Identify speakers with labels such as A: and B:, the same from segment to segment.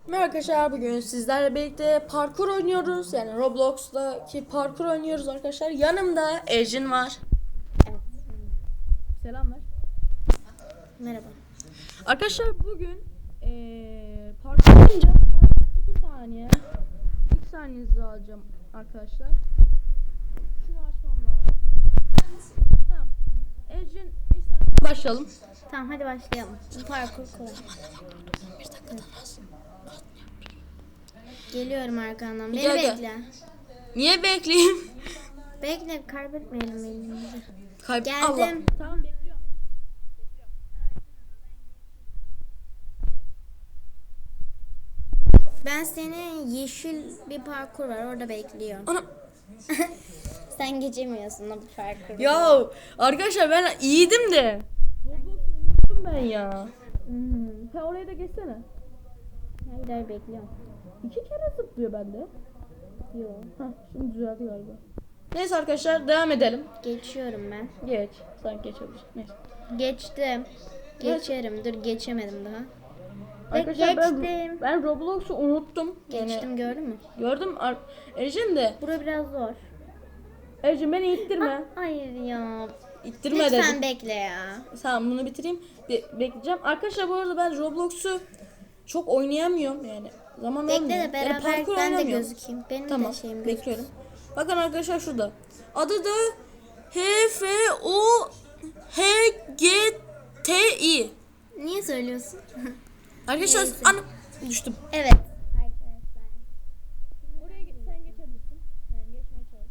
A: Merhaba arkadaşlar, bugün sizlerle birlikte parkur oynuyoruz. Yani Roblox'taki parkur oynuyoruz arkadaşlar. Yanımda Ejin var.
B: Evet.
A: Selam ver.
B: Merhaba.
A: Arkadaşlar bugün parkur oynayınca 2 saniye 2 saniyenizi alacağım arkadaşlar. Şunu açmam lazım. Tamam. Ejin başlayalım.
B: Tamam, hadi başlayalım. Parkur kolay.
A: Bir dakikadan az.
B: Geliyorum arkandan. Beni
A: Gel, gel.
B: bekle.
A: Niye bekleyeyim?
B: Bekle, kaybetmeyelim elimizi.
A: Allah.
B: Geldim.
A: Tamam, bekliyorum.
B: Ben seni yeşil bir parkur var, orada bekliyorum.
A: Ana.
B: Sen geçemiyorsun o parkuru.
A: Ya arkadaşlar ben iyiydim de. Roblox'u unuttum ben ya. Sen oraya da geçsene.
B: Hayır, bekliyorum.
A: 2 kere zıplıyor bende.
B: Yok.
A: Hah, şimdi düzeldi galiba. Neyse arkadaşlar, devam edelim.
B: Geçiyorum ben.
A: Geç. Sen geçebilirsin. Neyse.
B: Geçtim. Geçerim. Dur, geçemedim daha.
A: Arkadaşlar
B: Geçtim.
A: ben Roblox'u unuttum. Yani
B: Geçtim, gördün mü?
A: gördüm. Ejin de.
B: Bura biraz zor.
A: Ejin beni ittirme.
B: Hayır ya.
A: İttirme
B: Lütfen
A: dedim.
B: bekle ya.
A: Tamam, bunu bitireyim. Bekleyeceğim. Arkadaşlar bu arada ben Roblox'u çok oynayamıyorum yani. Zaman
B: Bekle
A: olmuyor.
B: de beraber
A: parkur
B: ben de
A: oynamıyorum.
B: gözükeyim. Benim
A: Tamam,
B: de şeyim gözüksün.
A: bekliyorum. Bakın arkadaşlar şurada. Adı da HFOHGTI.
B: Niye söylüyorsun?
A: Arkadaşlar
B: Neyse.
A: düştüm.
B: Evet. Arkadaşlar.
A: Oraya sen geçebilirsin. Yani geçmeye çalış.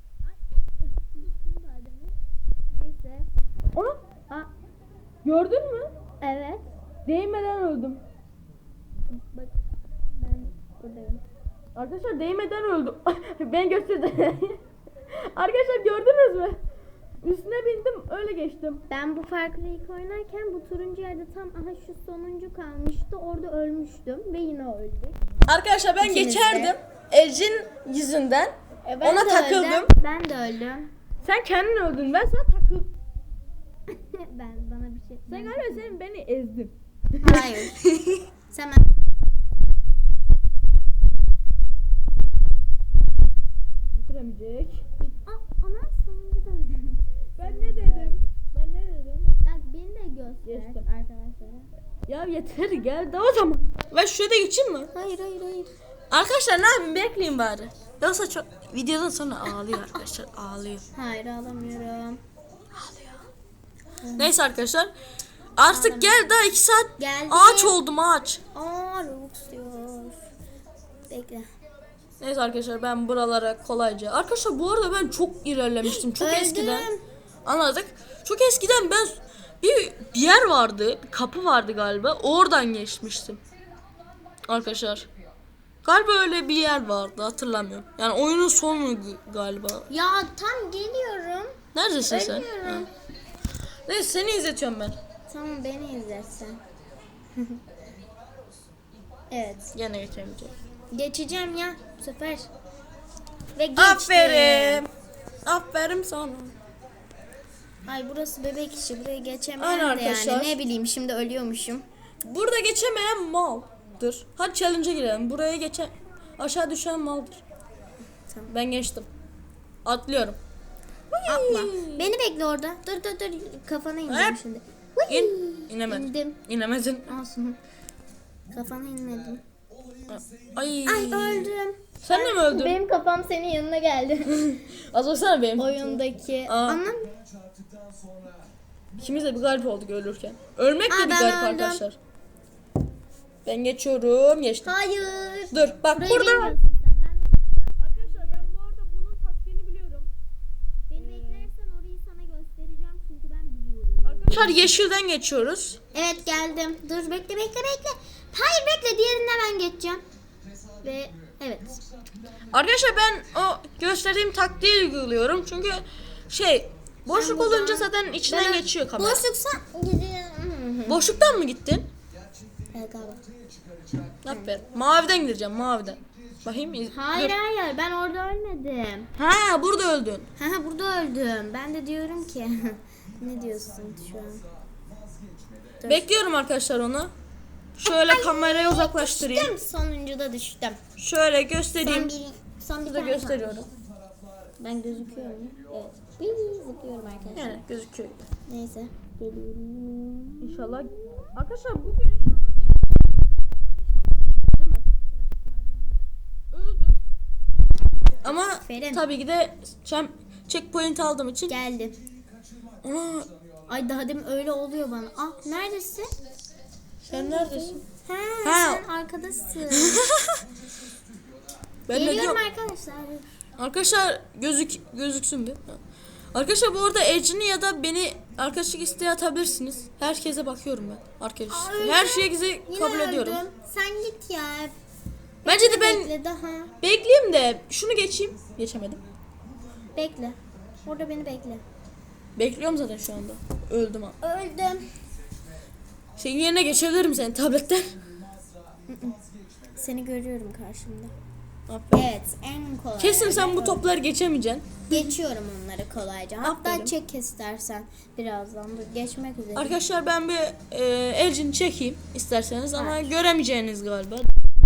B: Neyse.
A: Onu
B: Aa,
A: gördün mü?
B: evet.
A: Değmeden öldüm.
B: Bak, ben buradayım.
A: Arkadaşlar değmeden öldüm. Ben gösterdim. Arkadaşlar gördünüz mü? Üstüne bindim, öyle geçtim.
B: Ben bu parkuru ilk oynarken bu turuncu yerde tam şu sonuncu kalmıştı. Orada ölmüştüm ve yine öldük.
A: Arkadaşlar ben
B: İkiniz de.
A: geçerdim. Ejin yüzünden.
B: Ben
A: Ona
B: de
A: takıldım.
B: öldüm. Ben de öldüm.
A: Sen kendin öldün. Ben sana takıldım.
B: Bana bir şey.
A: Sen galiba beni ezdin.
B: Hayır. Sen
A: Bitiremeyecek.
B: Ona sonuncu da öldüm.
A: Ben ne dedim? Ben ne dedim?
B: Bak, beni de göster
A: Geçtim.
B: arkadaşlara.
A: Ya yeter, gel de o zaman. Ben şurada geçeyim mi?
B: Hayır.
A: Arkadaşlar ne yapayım, bekleyin bari. Yoksa çok videodan sonra ağlıyor arkadaşlar, ağlıyor.
B: Hayır, alamıyorum.
A: Neyse arkadaşlar. Artık gel, daha 2 saat
B: Geldim.
A: ağaç oldum, ağaç.
B: Robux diyor. Bekle.
A: Neyse arkadaşlar, ben buralara kolayca. Arkadaşlar bu arada ben çok ilerlemiştim. Çok
B: Öldüm.
A: eskiden. Anladık. Çok eskiden ben bir yer vardı. Bir kapı vardı galiba. Oradan geçmiştim. Arkadaşlar. Galiba öyle bir yer vardı, hatırlamıyorum. Yani oyunun sonu galiba.
B: Ya tam geliyorum.
A: Neredesin sen?
B: Ölüyorum.
A: Ha. Neyse, seni izletiyorum ben.
B: Tamam, beni izletsen. Evet.
A: Gene geçemeyeceğim.
B: Geçeceğim ya bu sefer. Ve geçtim.
A: Aferin. Aferin sana.
B: Ay, burası bebek işi. Buraya geçemem
A: Aynen
B: de
A: arkadaşlar.
B: yani. Ne bileyim, şimdi ölüyormuşum.
A: Burada geçemeyen maldır. Hadi challenge'a girelim. Buraya geçen, aşağı düşen maldır.
B: Tamam.
A: Ben geçtim. Atlıyorum.
B: Atla. Beni bekle orada. Dur. Kafana ineceğim
A: Hep.
B: şimdi.
A: İn. İnemedim.
B: İndim.
A: İnemedin.
B: Olsun. Kafana inmedim.
A: Ay.
B: Ay, öldüm.
A: Sen de mi öldün?
B: Benim kafam senin yanına geldi.
A: Az baksana benim.
B: Oyundaki.
A: Aa.
B: Anam.
A: İkimiz de bir garip olduk ölürken. Ölmek de
B: Aa,
A: bir
B: ben
A: garip
B: öldüm.
A: arkadaşlar. Ben geçiyorum. Geçtim.
B: Hayır.
A: Dur bak
B: Burayı
A: burada.
B: bilmiyorsun sen.
A: Arkadaşlar ben bu arada bunun taktiğini biliyorum.
B: Beni beklersen orayı sana göstereceğim çünkü ben biliyorum.
A: Arkadaşlar yeşilden geçiyoruz.
B: Evet, geldim. Dur, bekle. Hayır, bekle, diğerinde ben geçeceğim. Ve evet.
A: Arkadaşlar ben o gösterdiğim taktiği uyguluyorum. Çünkü boşluk
B: buradan-
A: olunca zaten içinden geçiyor kamera.
B: Boşluksa gidiyorum.
A: Boşluktan mı gittin?
B: Evet, galiba.
A: Aferin. Maviden gideceğim, maviden. Bakayım.
B: Hayır,
A: Dur.
B: ben orada ölmedim.
A: Ha, burada öldün.
B: Burada öldüm. Ben de diyorum ki ne diyorsun şu an? Dur.
A: Bekliyorum arkadaşlar onu. Şöyle kamerayı uzaklaştırayım.
B: Düştüm. Sonuncuda düştüm.
A: Şöyle göstereyim.
B: Son bir
A: Burada
B: tane
A: gösteriyorum.
B: kaldı. Ben gözüküyorum. Evet. Bir zıplıyorum arkadaşlar.
A: Yani gözüküyor.
B: Neyse. Geliyorum.
A: İnşallah. Arkadaşlar bugün inşallah değil mi? Öldüm. Ama
B: Aferin.
A: tabii ki de checkpoint aldığım için.
B: Geldim.
A: Ana,
B: Ay daha demin öyle oluyor bana. Ah neredesin?
A: sen neredesin?
B: Ha,
A: Ha.
B: sen arkadasın.
A: Ben de
B: Geliyorum
A: diyorum.
B: arkadaşlar.
A: Arkadaşlar gözüksün bir. Arkadaşlar bu arada Ece'ni ya da beni arkadaşlık isteği atabilirsiniz. Herkese bakıyorum ben. Arkadaşlar.
B: Öldüm.
A: Her şeyi
B: Yine
A: kabul ediyorum.
B: öldüm. Sen git ya.
A: Bence de ben
B: Bekle daha.
A: bekleyeyim de şunu geçeyim. Geçemedim.
B: Bekle. Orada beni bekle.
A: Bekliyorum zaten şu anda. Öldüm ha.
B: Öldüm.
A: Senin yerine geçebilirim senin tabletten.
B: Seni görüyorum karşımda.
A: Aferin.
B: Evet en kolay.
A: Kesin sen bu topları geçemeyeceksin.
B: Geçiyorum onları kolayca. Hatta
A: Aferin.
B: çek istersen birazdan. Dur, geçmek üzere.
A: Arkadaşlar ben bir elcini çekeyim isterseniz ama
B: Hayır.
A: göremeyeceğiniz galiba.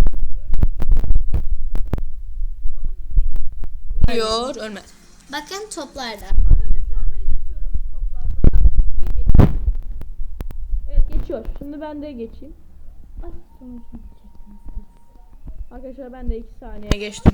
A: Ölüyor, ölmez.
B: Bakın toplarda.
A: Evet geçiyor. Şimdi ben de geçeyim. Arkadaşlar ben de 2 saniye geçtim.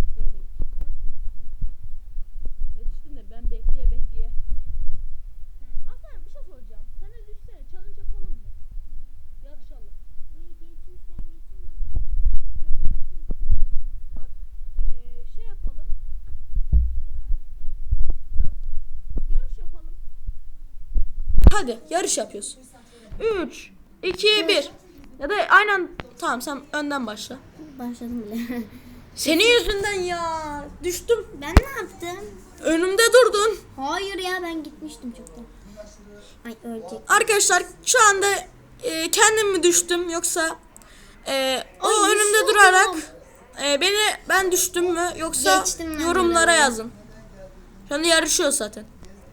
A: Yetiştim de ben bekleye. Aslan bir şey soracağım. Sen de düşsene challenge yapalım mı? Yarışalım. Bak şey yapalım. Dur. Yarış yapalım. Hadi yarış yapıyoruz. 3, 2, 1. Ya da aynen tamam sen önden başla.
B: Başladım bile.
A: Senin yüzünden ya. Düştüm.
B: Ben ne yaptım?
A: Önümde durdun.
B: Hayır ya ben gitmiştim çoktan. Ay ölecek.
A: Arkadaşlar şu anda kendim mi düştüm yoksa o
B: Ay,
A: önümde
B: düşüyordum.
A: durarak ben düştüm mü yoksa
B: Geçtim ben
A: yorumlara
B: de.
A: yazın. Şu anda yarışıyor zaten.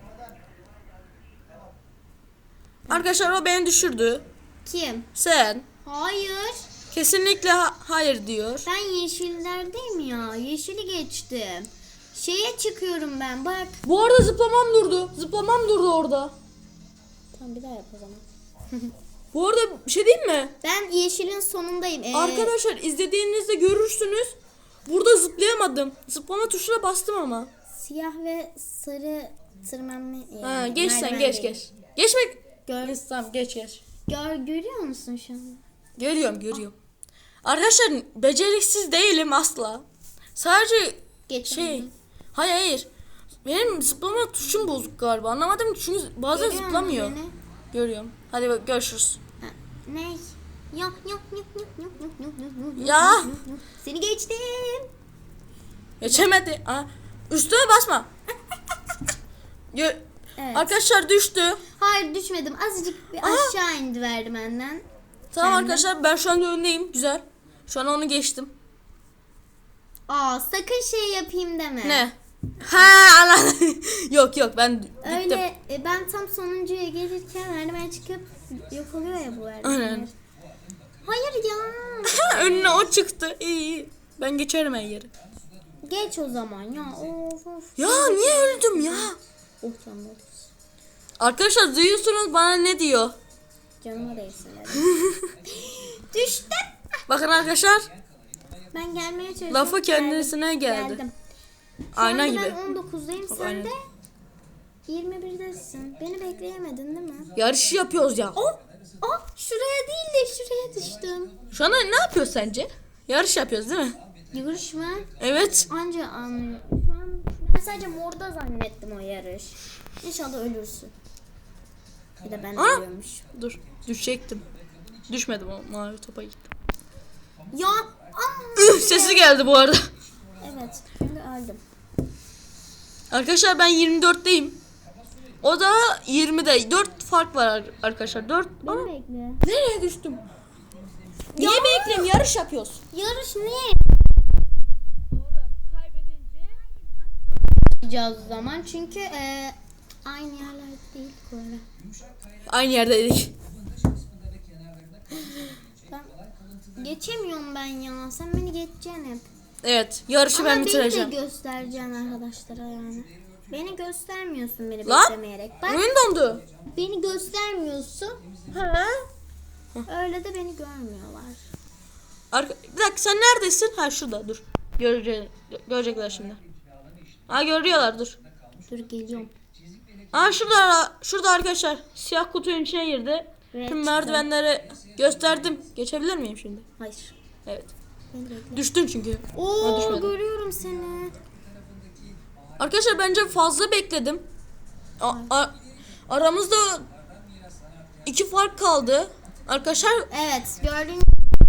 A: Arkadaşlar o beni düşürdü.
B: Kim?
A: Sen
B: Hayır.
A: kesinlikle hayır diyor.
B: Ben yeşillerdeyim ya. Yeşili geçtim. Şeye çıkıyorum ben bak.
A: Bu arada zıplamam durdu orada.
B: Tamam bir daha yap o zaman.
A: Bu arada bir şey diyeyim mi?
B: Ben yeşilin sonundayım.
A: Arkadaşlar izlediğinizde görürsünüz. Burada zıplayamadım. Zıplama tuşuna bastım ama.
B: Siyah ve sarı tırmanma.
A: Ha, geç sen
B: merdiven
A: geç
B: değil.
A: geç. Geçmek.
B: Gör,
A: Tamam geç.
B: görüyor musun şu an?
A: Görüyorum. Arkadaşlar beceriksiz değilim asla. Sadece
B: Geç.
A: Hayır. Benim zıplama tuşum bozuk galiba. Anlamadım ki çünkü bazen
B: Görüyor musun
A: zıplamıyor.
B: beni?
A: Görüyorum. Hadi bak görüşürüz.
B: Ha, ne? Yok.
A: Ya.
B: Seni geçtim.
A: Geçemedi. Üstüme basma.
B: Evet.
A: Arkadaşlar düştü.
B: Hayır düşmedim. Azıcık bir aşağı indi merdivenden.
A: Tamam
B: Kendim.
A: arkadaşlar ben şu anda öndeyim. Güzel. Şu an onu geçtim.
B: Sakın şey yapayım deme.
A: Ne? Anladım. yok ben gittim.
B: Öyle ben tam sonuncuya gelirken merdiven çıkıp yok oluyor ya bu merdivenler.
A: Aynen.
B: Hayır ya.
A: Önüne o çıktı. İyi. Ben geçerim her yeri.
B: Geç o zaman ya. Of.
A: Ya niye öldüm ya?
B: Oh canım.
A: Arkadaşlar duyuyorsunuz bana ne diyor?
B: Canıma değsin. Düştüm.
A: Bakın arkadaşlar
B: Ben gelmeye çalışıyorum.
A: lafı kendisine geldi.
B: Geldim.
A: Ayna
B: Şu anda
A: gibi.
B: Ben 19'dayım. Sen
A: aynen.
B: de 21'desin. Beni bekleyemedin değil mi?
A: Yarışı yapıyoruz ya.
B: Şuraya değil de şuraya düştüm.
A: Şu anda ne yapıyoruz sence? Yarış yapıyoruz değil mi?
B: Yarış mı?
A: Evet.
B: Anca anlıyorum. Şu an ben sadece morda zannettim o yarış. İnşallah ölürsün. Bir de ben ölüyormuş.
A: Dur düşecektim. Düşmedim o mavi topa gittim.
B: Ya.
A: Sesi geldi bu arada.
B: Evet. Çünkü öldüm.
A: Arkadaşlar ben 24'teyim. O da 20'de. 4 fark var arkadaşlar. 4.
B: Beni bekle.
A: Nereye düştüm? Niye bekleyeyim? Yarış yapıyoruz.
B: Yarış ne?
A: Doğru. Kaybedince
B: Yapacağız o zaman çünkü aynı yerlerde değil bu arada.
A: aynı yerdeydik.
B: Ben Geçemiyorum ben ya. Sen beni geçeceksin hep.
A: Evet, yarışı
B: Ama
A: ben bitireceğim.
B: beni de göstereceksin arkadaşlara yani. Beni göstermiyorsun beni
A: Lan,
B: beklemeyerek. Bak
A: oyun dondu.
B: beni göstermiyorsun.
A: Ha?
B: Öyle de beni görmüyorlar.
A: Bir dakika, sen neredesin? Ha, şurada, dur. Görecekler şimdi. Ha, görüyorlar, dur.
B: Dur geliyorum.
A: Ha, şurada arkadaşlar. Siyah kutunun içine girdi.
B: Evet,
A: Tüm merdivenleri gösterdim. Geçebilir miyim şimdi?
B: Hayır.
A: Evet.
B: Beni bekle.
A: Düştün çünkü. Ha,
B: Oo
A: düşmedim.
B: görüyorum seni.
A: Arkadaşlar bence fazla bekledim. Aramızda 2 fark kaldı. Arkadaşlar
B: Evet gördüğün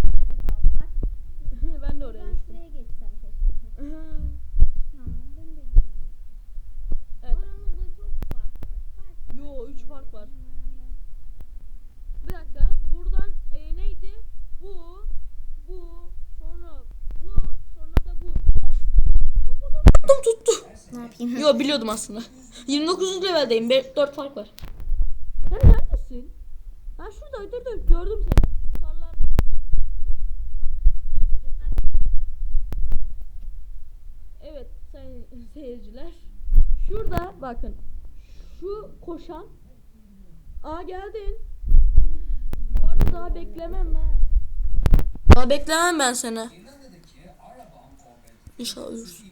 A: ben de oraya düştüm.
B: şuraya geçsem keşke. Tamam ben de
A: Evet.
B: Aramızda çok fark var.
A: Yo, 3 fark var. Bir dakika. Buradan neydi? Bu, sonra da bu. Kafadan tuttu.
B: Ne yapayım?
A: Yo, biliyordum aslında. 29. leveldeyim. 4 fark var. Sen neredesin? Ben şurada, dur gördüm seni. Sarılardan. Evet sayın seyirciler. Şurada bakın. Şu koşan. Aa, geldin. Bu arada daha beklemem ben. Daha beklemem ben seni. İnşallah ölürsün.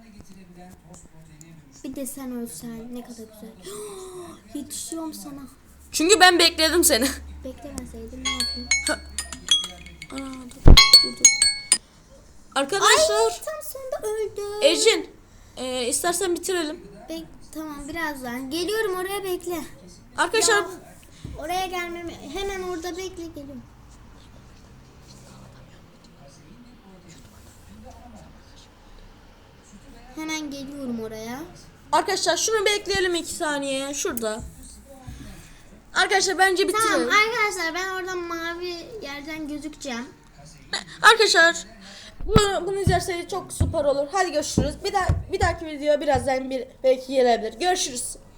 B: Bir de sen ölsen ne kadar güzel. Yetişiyorum sana.
A: Çünkü ben bekledim seni.
B: Beklemeseydim ne yapayım?
A: Aa, dur. Arkadaşlar.
B: Ay tam sonunda öldüm.
A: Ecin. İstersen bitirelim.
B: Tamam birazdan. Geliyorum oraya bekle.
A: Arkadaşlar.
B: Oraya gelmemi hemen orada bekle geliyorum. Hemen geliyorum oraya.
A: Arkadaşlar şunu bekleyelim 2 saniye. Şurada. Arkadaşlar bence bitirelim.
B: Tamam arkadaşlar ben oradan mavi yerden gözükeceğim.
A: Arkadaşlar bunu izlerseniz çok süper olur. Hadi görüşürüz. Bir dahaki video birazdan belki gelebilir. Görüşürüz.